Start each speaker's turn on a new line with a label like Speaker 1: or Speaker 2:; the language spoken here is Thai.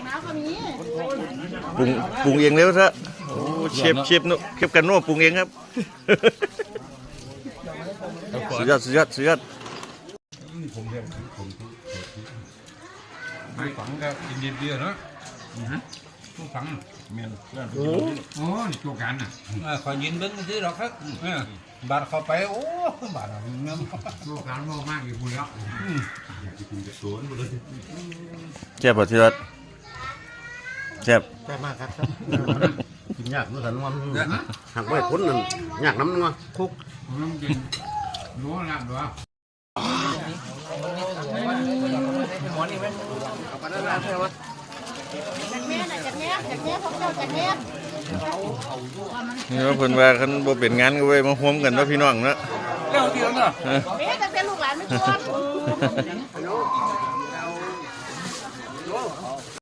Speaker 1: ปรุงเองแล้วซะโอ้เชฟโนเชฟกันโน่ปรุงเองครับสุดยอด
Speaker 2: ไม่ฝังก็กินเดียวเนาะผู้ฝังเมียนโอ้ตัวกันอ่ะคอยยินเบิ้งซื้อหรอกครับบาดเข้าไปโอ้บาดเงินตัวกันมากอยู่บุญแล้วอยากจะกินกระสวนหมดเลย
Speaker 1: แซ่บป่ะที่รัฐแซ่บ
Speaker 3: มากครับกินยากนู่นสันว่าหักไว้พ้นนั่นยากน้ำนัวคุก
Speaker 2: น้ำกินนัวหนักด้วย
Speaker 1: นี่ว่าเพิ่นว่าคันบ่เป็นงานก็ไว้มาร่วมกันเนาะพี่น้องเนาะ
Speaker 2: เร็วเดียวเนาะ
Speaker 4: แม่แต่ลูกหลานไม่ชวน